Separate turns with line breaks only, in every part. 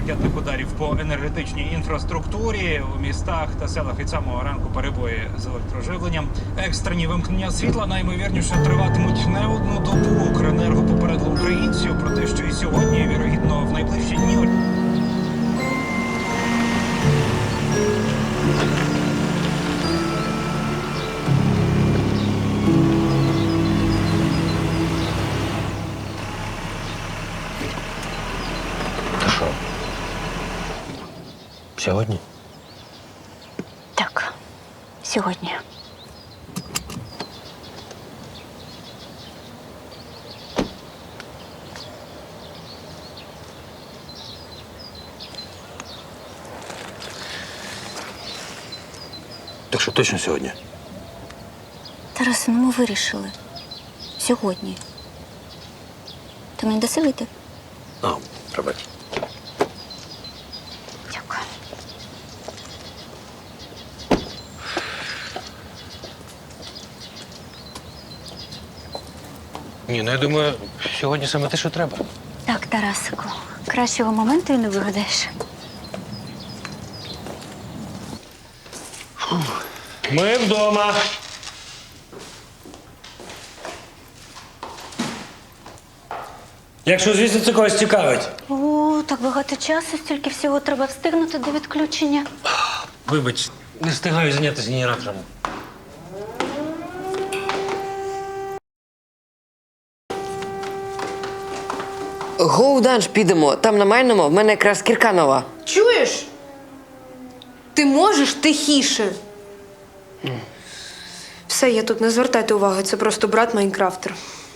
ракетних ударів по енергетичній інфраструктурі у містах та селах від самого ранку перебої з електроживленням. Екстрені вимкнення світла наймовірніше триватимуть не одну добу. Укренерго попередило українців про те, що і сьогодні, і, вірогідно, в найближчі дні.
Сьогодні?
Так, сьогодні.
Так що точно сьогодні?
Тарасе, ну ми вирішили. Сьогодні. Ти мені даси вийти?
А, пробач.
Дякую.
Ні, ну я думаю, сьогодні саме те, що треба.
Так, Тарасику, кращого моменту і не вигадаєш.
Ми вдома. Якщо, звісно, це когось цікавить.
О, так багато часу, стільки всього треба встигнути до відключення.
Вибач, не встигаю зайнятися генератором.
Гоу данж підемо. Там на майному в мене якраз кірка нова.
Чуєш? Ти можеш тихіше. Все, я тут не звертайте уваги, це просто брат Майнкрафтер.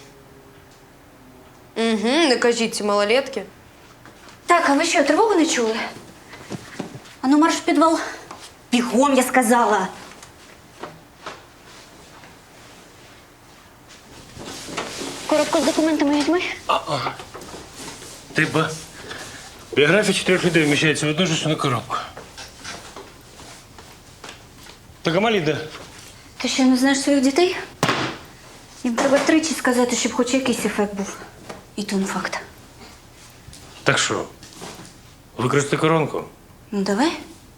Угу, не кажіть ці малолетки.
Так, а ви що, тривогу не чули? Ану, марш в підвал. Бігом, я сказала. Коробку з документами візьми.
Типа, біографія 4 людей вміщається в одну ж на коробку. Так, а малі де?
Ти що, не знаєш своїх дітей? Їм треба тричі сказати, щоб хоч якийсь ефект був. І то не факт.
Так що, використати коронку?
Ну, давай.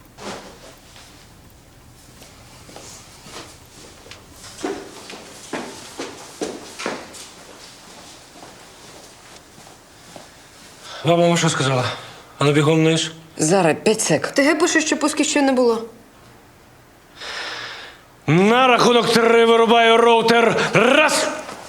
Вам мама що сказала? А ну бігом вниз.
Зараз 5 сек.
ТГ пише, що пусків ще не було.
На рахунок 3 вирубаю роутер. Раз!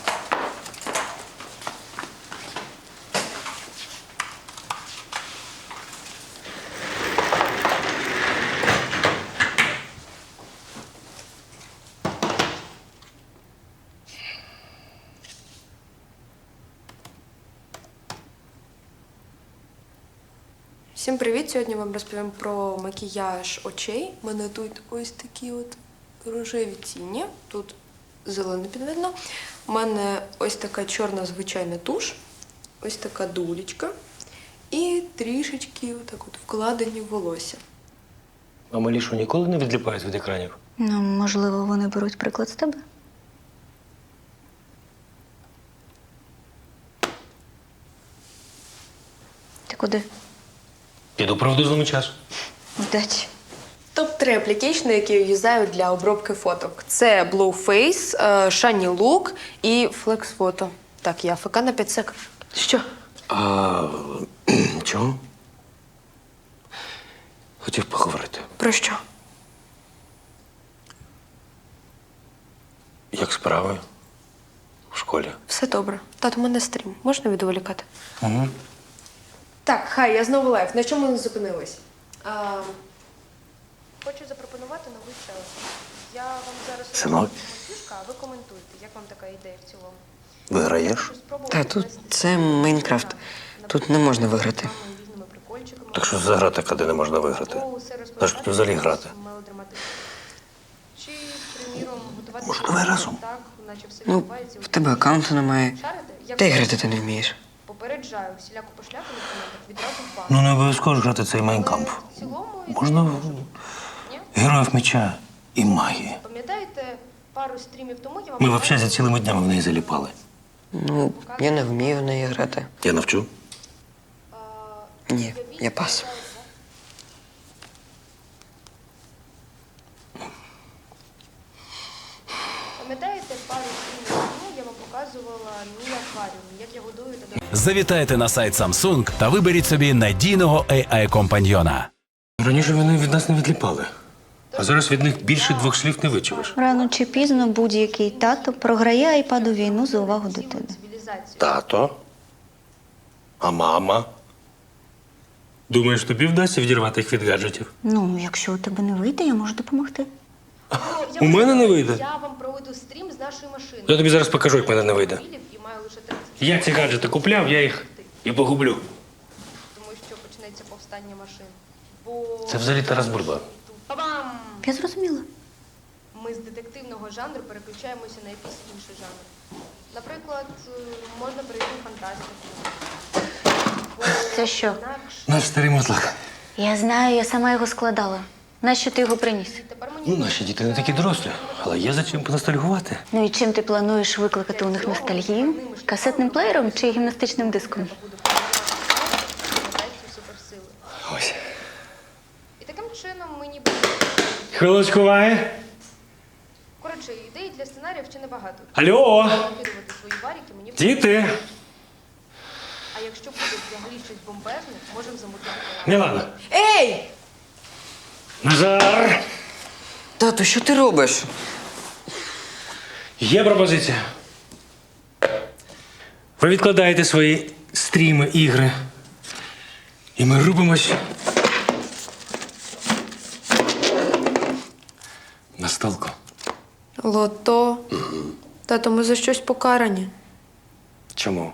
Всім привіт! Сьогодні вам розповім про макіяж очей. У мене тут ось такі от рожеві тіні. Тут зелене підведено. У мене ось така чорна звичайна туш, ось така дулечка і трішечки отак от вкладені в волосся.
А малі що, ніколи не відліпають від екранів?
Ну, можливо, вони беруть приклад з тебе. Ти куди?
Піду правду злому часу.
Удачі.
Топ-3 аплікейшни, які я юзаю для обробки фоток. Це Blueface, Shiny Look і Flex Photo. Так, я ФК на 5 сек. Що?
А чого? Хотів поговорити.
Про що?
Як справи? В школі?
Все добре. Тато, у мене стрім. Можна відволікати?
Угу.
Так, хай, я знову лайв. На чому ми зупинились? Хочу запропонувати новий челендж. Я вам зараз
Синок?
фішка, а ви коментуйте. Як вам така ідея в цілому?
Виграєш?
Та тут це Майнкрафт. Тут не можна виграти.
Так що за гра така, де не можна виграти? Та ж тут взагалі грати.
Чи, приміром, готувати
Може, давай разом?
так, наче все
Ну,
відбувається
в тебе аккаунту немає.
Шарите? Я
Та й грати ти не вмієш.
попереджаю, всіляку пошляку в коментах відразу в бан.
Ну, не обов'язково ж грати цей майнкамп.
В цілому,
Можна
ні?
героїв меча і магії.
Пам'ятаєте, пару стрімів тому я вам...
Ми в общазі цілими днями в неї заліпали.
Ну, я не вмію в неї грати.
Я навчу.
Ні, я пас.
Пам'ятаєте, пару днів тому я вам показувала мій акваріум, як я годую та
Завітайте на сайт Samsung та виберіть собі надійного AI-компаньйона.
Раніше вони від нас не відліпали. А зараз від них більше 2 слів не вичуєш.
Рано чи пізно будь-який тато програє айпаду війну за увагу дитини.
цивілізацію.
Тато? А мама? Думаєш, тобі вдасться відірвати їх від гаджетів?
Ну, якщо у тебе не вийде, я можу допомогти.
У мене не вийде.
Я вам проведу стрім з нашої машини.
Я тобі зараз покажу, як в мене не вийде.
І маю лише 30,
Я ці гаджети купляв, я їх і погублю.
тому що почнеться повстання машин. Бо
Це взагалі Тарас Бульба.
Па-бам!
Я зрозуміла.
Ми з детективного жанру переключаємося на якийсь інший жанр. Наприклад, можна перейти в фантастику. Бо
Це що?
інакше
Наш старий мотлак.
Я знаю, я сама його складала. Нащо ти його приніс?
тепер мені
Ну, наші діти не такі дорослі, але є за чим поностальгувати.
Ну і чим ти плануєш викликати у них ностальгію? Касетним плеєром чи гімнастичним диском?
буде формувати суперсили.
Ось.
І таким чином ми ніби...
Хвилочку, Ваня.
Коротше, ідей для сценаріїв ще небагато.
Алло!
Накидувати свої варіки мені...
Діти!
А якщо буде взагалі щось бомбезне, можемо замутити.
Мілана!
Ей!
Назар!
Тату, що ти робиш?
Є пропозиція. Ви відкладаєте свої стріми, ігри. І ми рубимось на столку.
Лото. Тато, ми за щось покарані.
Чому?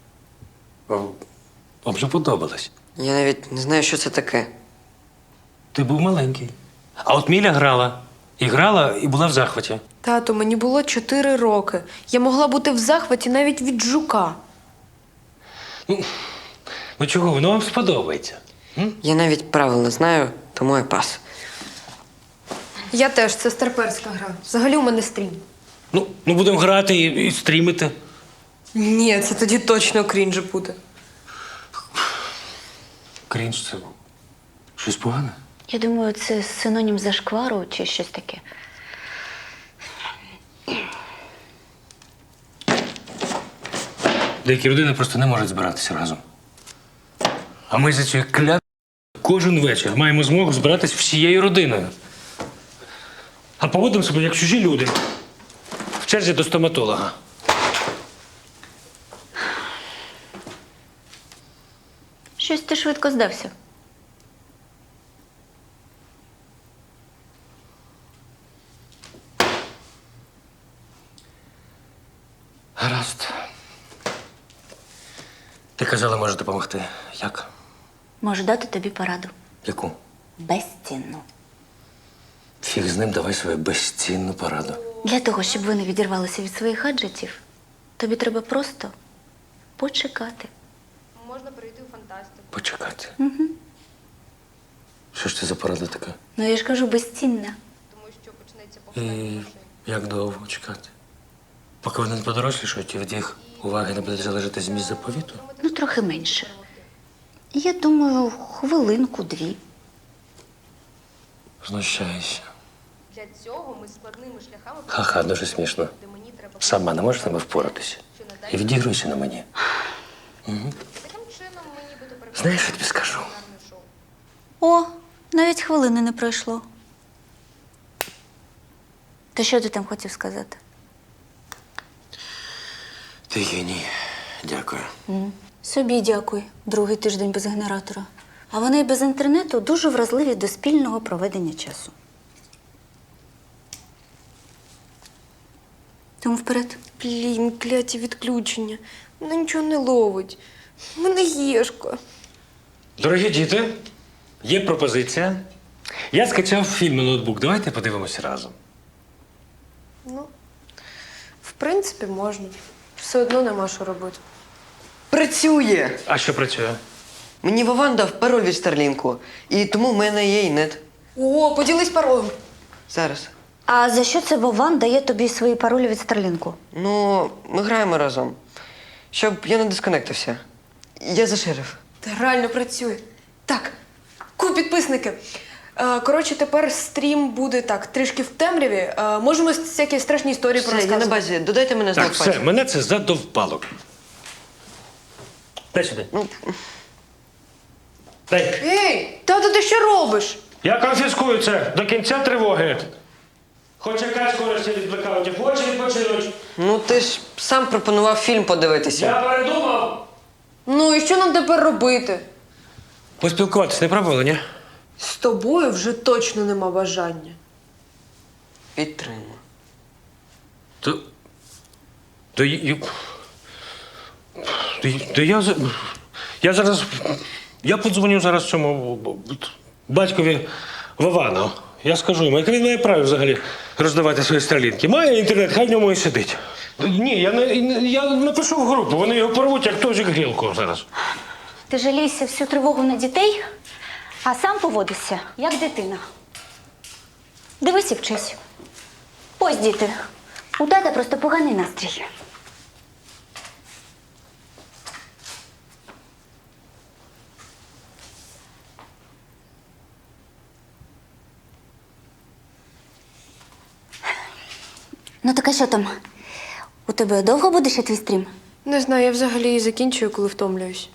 Вам же подобалось.
Я навіть не знаю, що це таке.
Ти був маленький. А от Міля грала. І грала, і була в захваті.
Тато, мені було 4 роки. Я могла бути в захваті навіть від жука.
Ну чого, воно вам сподобається?
Я навіть правил не знаю, тому я пас.
Я теж, це старперська гра. Взагалі у мене стрім.
Ну будемо грати і стрімити.
Ні, це тоді точно крінж буде.
Крінж це щось погане?
Я думаю, це синонім зашквару чи щось таке.
Деякі родини просто не можуть збиратися разом. А ми за цією клятою кожен вечір маємо змогу збиратись всією родиною. А поводимо себе як чужі люди. В черзі до стоматолога.
Щось ти швидко здався.
Гаразд. Ти казала, може допомогти. Як?
Можу дати тобі пораду.
Яку?
Безцінну.
Фіг з ним, давай свою безцінну пораду.
Для того, щоб ви не відірвалися від своїх гаджетів, тобі треба просто почекати.
Можна перейти в фантастику.
Почекати. Що ж це за порада така?
Ну, я ж кажу, безцінна.
Тому що почнеться повстання
І
машин.
як довго чекати? Поки вони не подорослішають, і від їх уваги не буде залежати зміст заповіту?
Ну, трохи менше. Я думаю, хвилинку-дві.
Знущаюся.
Для цього ми складними шляхами...
Ха-ха, дуже смішно.
Де мені треба...
Сама не можеш з ними впоратися.
Що
І
надалі...
відігруйся на мені.
Таким чином ми нібито
Знаєш, що тобі скажу?
кулінарне шоу.
О, навіть хвилини не пройшло. То що ти там хотів сказати?
Ти геній. Дякую.
Собі дякую. Другий тиждень без генератора. А вони і без інтернету дуже вразливі до спільного проведення часу. Тому вперед.
Блін, кляті відключення. Вона нічого не ловить. У мене єшка.
Дорогі діти, є пропозиція. Я скачав фільм на ноутбук. Давайте подивимося разом.
Ну, в принципі, можна. Все одно нема що робити.
Працює!
А що працює?
Мені Вован дав пароль від Старлінку, і тому в мене є і нет.
О, поділись паролем.
Зараз.
А за що це Вован дає тобі свої паролі від Старлінку?
Ну, ми граємо разом. Щоб я не дисконектився. Я за шериф.
Та реально працює. Так, підписники. Коротше, тепер стрім буде так, трішки в темряві. Можемо всякі страшні історії
Все, я на
порозказувати.
базі. Додайте мене
Так,
знак
все,
пальця.
мене це задовбало. Дай сюди. Дай.
Ей, тато, ти що робиш?
Я конфіскую це до кінця тривоги. Хоч якась користь від блекаутів, хоче відпочинуть.
Ну ти ж сам пропонував фільм подивитися.
Я передумав.
Ну і що нам тепер робити?
Поспілкуватись не пробували, ні?
З тобою вже точно нема бажання.
Підтримую.
То я зараз. Я подзвоню зараз цьому батькові Вовану. Я скажу йому, як він має право взагалі роздавати свої стрілінки. Має інтернет, хай в ньому і сидить. Ні, я напишу в групу, вони його порвуть, як тожик грілку зараз.
Ти жалійся всю тривогу на дітей, а сам поводишся, як дитина. Дивись і вчись. Ось, діти, у тата просто поганий настрій. Ну так а що там? У тебе довго буде ще твій стрім?
Не знаю, я взагалі і закінчую, коли втомлююсь.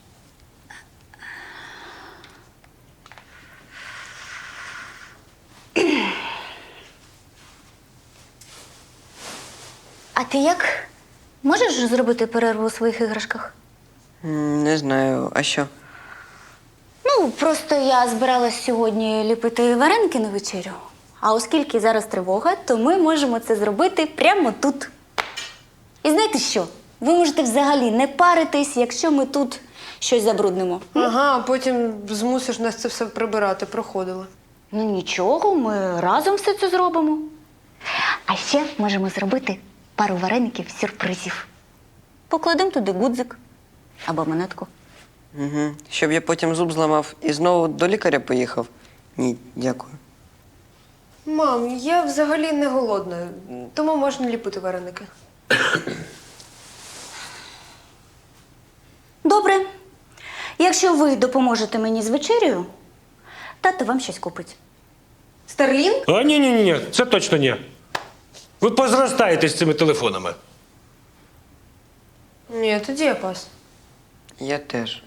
А ти як? Можеш зробити перерву у своїх іграшках?
Не знаю, а що?
Ну, просто я збиралась сьогодні ліпити вареники на вечерю. А оскільки зараз тривога, то ми можемо це зробити прямо тут. І знаєте що? Ви можете взагалі не паритись, якщо ми тут щось забруднимо.
Ага, а потім змусиш нас це все прибирати, проходила.
Ну нічого, ми разом все це зробимо. А ще можемо зробити пару вареників сюрпризів. Покладемо туди гудзик або монетку.
Угу. Щоб я потім зуб зламав і знову до лікаря поїхав? Ні, дякую.
Мам, я взагалі не голодна, тому можна ліпити вареники.
Добре. Якщо ви допоможете мені з вечерею, тато вам щось купить.
Старлінг?
А ні, це точно ні. Ви позростаєте з цими телефонами.
Ні, тоді я пас.
Я теж.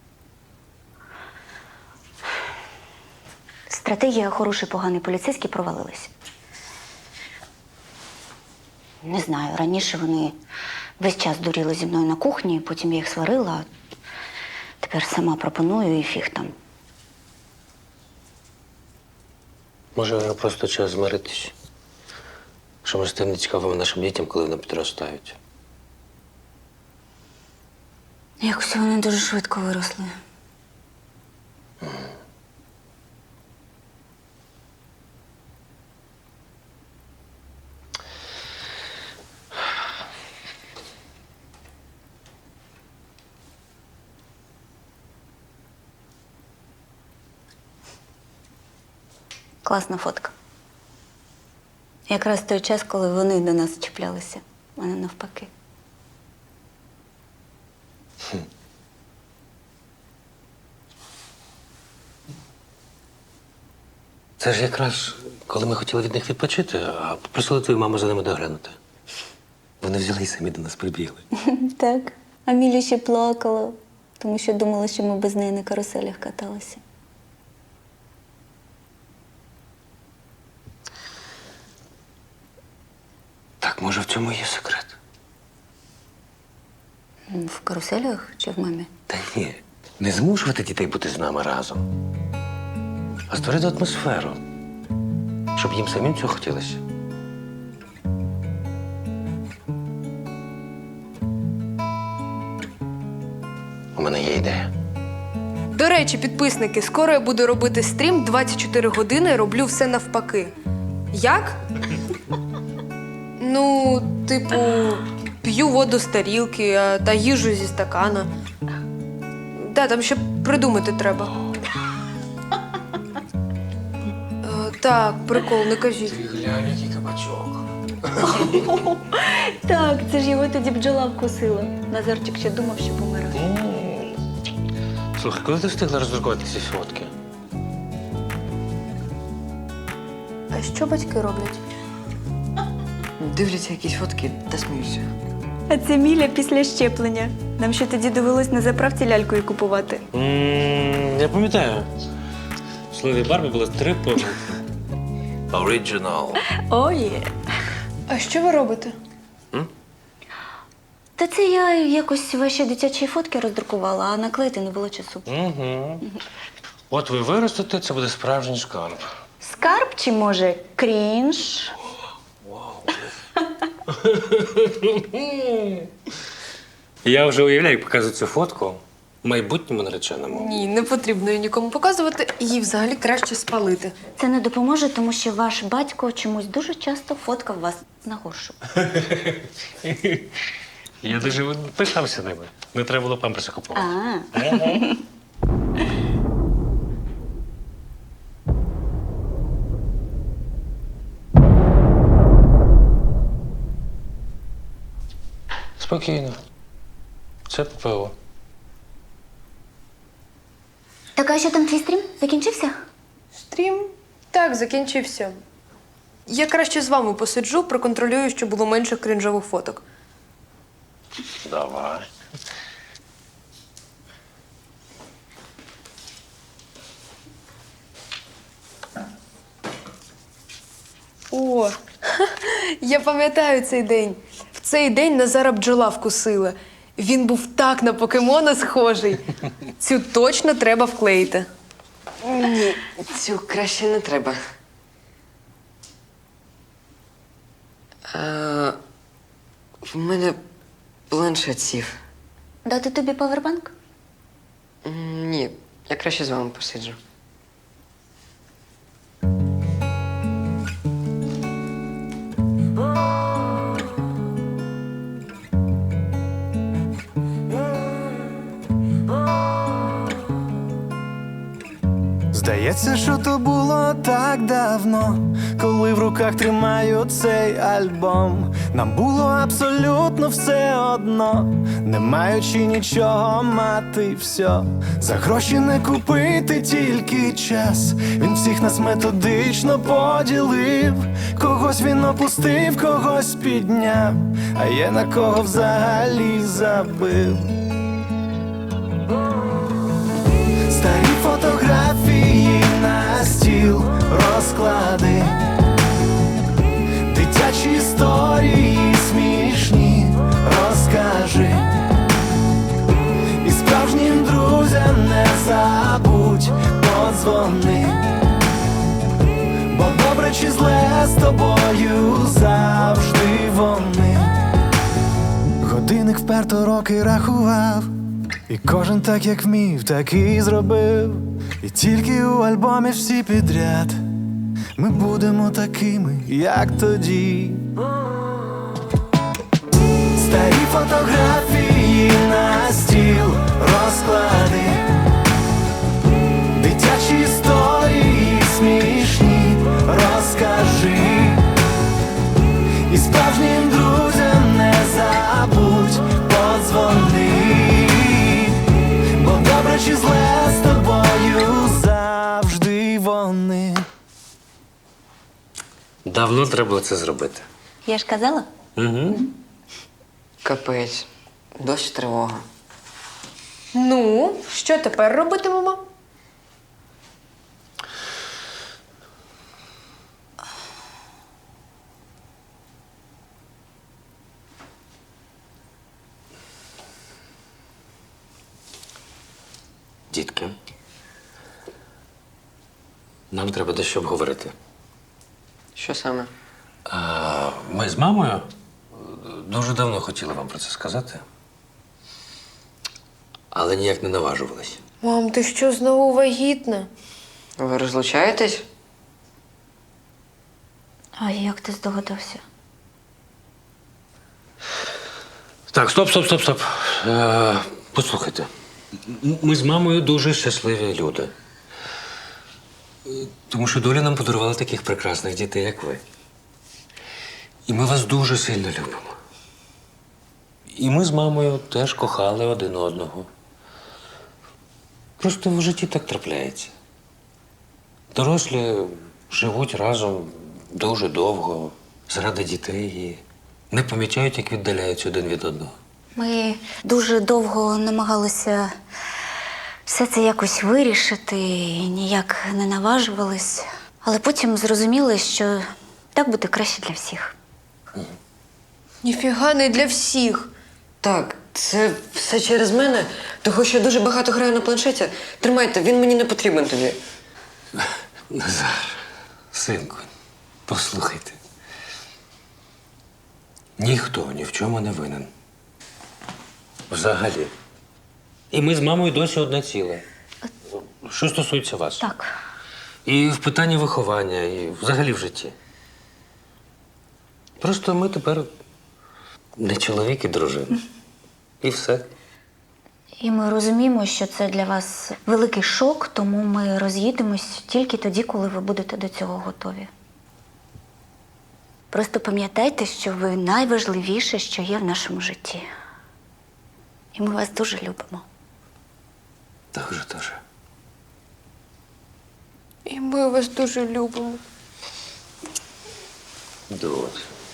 Стратегія хороший, поганий поліцейський провалилась. Не знаю, раніше вони весь час дуріли зі мною на кухні, потім я їх сварила, а тепер сама пропоную і фіг там.
Може, просто час змиритись. Що ми стане цікавими нашим дітям, коли вони підростають.
Якось вони дуже швидко виросли. Класна фотка. Якраз той час, коли вони до нас чіплялися, а не навпаки.
Це ж якраз, коли ми хотіли від них відпочити, а попросили твою маму за ними доглянути. Вони взяли і самі до нас прибігли.
Так. А Міля ще плакала, тому що думала, що ми без неї на каруселях каталися.
Так, може, в цьому є секрет?
В каруселях чи в мамі?
Та ні. Не змушувати дітей бути з нами разом, а створити атмосферу, щоб їм самим цього хотілося. У мене є ідея.
До речі, підписники, скоро я буду робити стрім 24 години, роблю все навпаки. Як? Ну, типу, п'ю воду з тарілки та їжу зі стакана. Да, там ще придумати треба. Так, прикол, не кажіть.
Глянь, який кабачок.
Так, це ж його тоді бджола вкусила. Назарчик ще думав, що помирає.
Слухай, коли ти встигла роздрукувати ці фотки?
А що батьки роблять?
Дивляться якісь фотки та сміються.
А це Міля після щеплення. Нам ще тоді довелось на заправці лялькою купувати.
Я пам'ятаю. В слові Барбі було 3 помилки.
Оригінал.
О, є.
А що ви робите?
Та це я якось ваші дитячі фотки роздрукувала, а наклеїти не було часу.
Угу. От ви виростете, це буде справжній шкарб.
Скарб чи, може, крінж?
Я вже уявляю, як показую цю фотку майбутньому нареченому.
Ні, не потрібно її нікому показувати, її взагалі краще спалити.
Це не допоможе, тому що ваш батько чомусь дуже часто фоткав вас на горшу.
Я дуже пишався ними. Не треба було памперси купувати. Спокійно. Це ППО.
Так, а що там твій стрім? Закінчився?
Стрім? Так, закінчився. Я краще з вами посиджу, проконтролюю, щоб було менше крінжових фоток.
Давай.
О, я пам'ятаю цей день. В цей день Назара бджола вкусила. Він був так на покемона схожий. Цю точно треба вклеїти.
Ні, цю краще не треба. В мене планшет сів.
Дати тобі павербанк?
Ні, я краще з вами посиджу.
Здається, що то було так давно, коли в руках тримаю цей альбом. Нам було абсолютно все одно, не маючи нічого мати все. За гроші не купити тільки час. Він всіх нас методично поділив. Когось він опустив, когось підняв, а є на кого взагалі забив. Старі фотографії на стіл розклади, дитячі історії смішні розкажи, і справжнім друзям не забудь подзвони, бо добре чи зле з тобою завжди вони. Годинник вперто роки рахував, і кожен так, як вмів, так і зробив. І тільки у альбомі всі підряд ми будемо такими, як тоді. Старі фотографії на стіл розклади, дитячі історії смішні розкажи, і справжнім друзям не забудь подзвони, бо добре чи зле з тобою завжди вони.
Давно треба було це зробити.
Я ж казала.
Угу.
Капець, дощ тривога.
Ну, що тепер робитимемо?
Дітки, нам треба дещо обговорити.
Що саме?
Ми з мамою дуже давно хотіли вам про це сказати, але ніяк не наважувались.
Мам, ти що, знову вагітна?
Ви розлучаєтесь?
А як ти здогадався?
Так, стоп. Послухайте. Ми з мамою дуже щасливі люди. Тому що доля нам подарувала таких прекрасних дітей, як ви. І ми вас дуже сильно любимо. І ми з мамою теж кохали один одного. Просто в житті так трапляється. Дорослі живуть разом дуже довго, заради дітей і не помічають, як віддаляються один від одного.
Ми дуже довго намагалися все це якось вирішити, і ніяк не наважувались. Але потім зрозуміли, що так буде краще для всіх.
Ніфіга не для всіх. Так, це все через мене, того що я дуже багато граю на планшеті. Тримайте, він мені не потрібен тобі.
Назар, синку, послухайте. Ніхто ні в чому не винен. Взагалі. І ми з мамою досі одне ціле. Що стосується вас.
Так.
І в питанні виховання, і взагалі в житті. Просто ми тепер не чоловік і дружина. І все.
І ми розуміємо, що це для вас великий шок, тому ми роз'їдемось тільки тоді, коли ви будете до цього готові. Просто пам'ятайте, що ви найважливіше, що є в нашому житті. І ми вас дуже любимо.
Дуже.
І ми вас дуже любимо.
Дуже.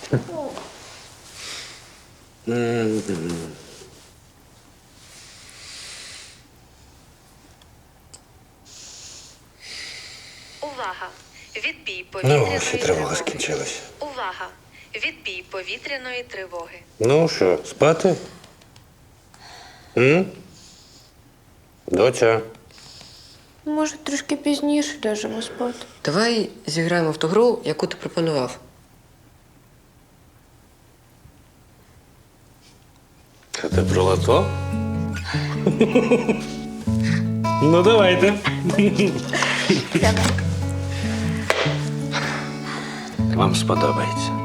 Увага! Відбій
Ну,
повітряної
ось і тривога
тривоги.
скінчилась.
Увага! Відбій повітряної тривоги.
Ну що, спати? Доця.
Може, трошки пізніше ляжемо спати.
Давай зіграємо в ту гру, яку ти пропонував.
Це ти про лото? Ну, давайте. Вам сподобається.